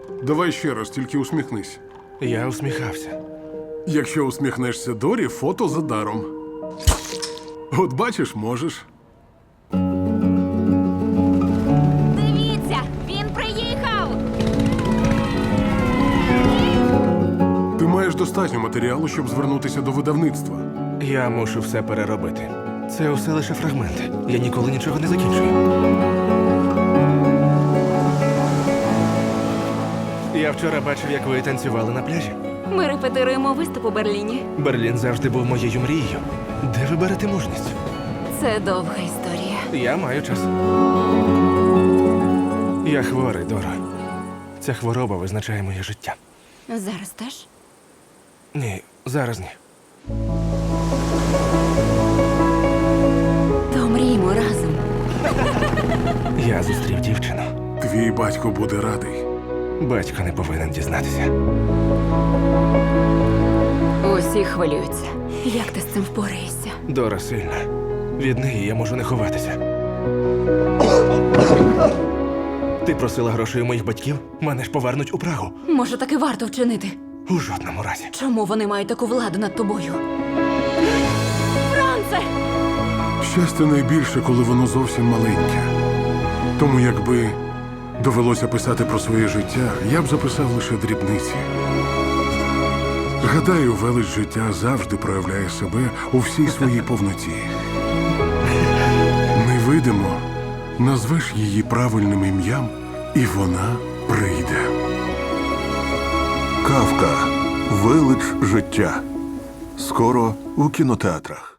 Давай ще раз, тільки усміхнись. Я усміхався. Якщо усміхнешся Дорі, фото за даром. От бачиш, можеш. Дивіться, він приїхав! Ти маєш достатньо матеріалу, щоб звернутися до видавництва. Я мушу все переробити. Це усе лише фрагменти. Я ніколи нічого не закінчую. Я вчора бачив, як ви танцювали на пляжі. Ми репетируємо виступ у Берліні. Берлін завжди був моєю мрією. Де ви берете мужність? Це довга історія. Я маю час. Я хворий, Доро. Ця хвороба визначає моє життя. Зараз теж? Ні, зараз ні. То мріємо разом. Я зустрів дівчину. Твій батько буде радий. Батько не повинен дізнатися. Усі хвилюються. Як ти з цим впораєшся? Дора сильна. Від неї я можу не ховатися. Ти просила грошей у моїх батьків? Мене ж повернуть у Прагу. Може, таки варто вчинити? У жодному разі. Чому вони мають таку владу над тобою? Франце! Щастя найбільше, коли воно зовсім маленьке. Тому якби довелося писати про своє життя, я б записав лише дрібниці. Гадаю, велич життя завжди проявляє себе у всій своїй повноті. Невидимо назвеш її правильним ім'ям, і вона прийде. Кавка. Велич життя. Скоро у кінотеатрах.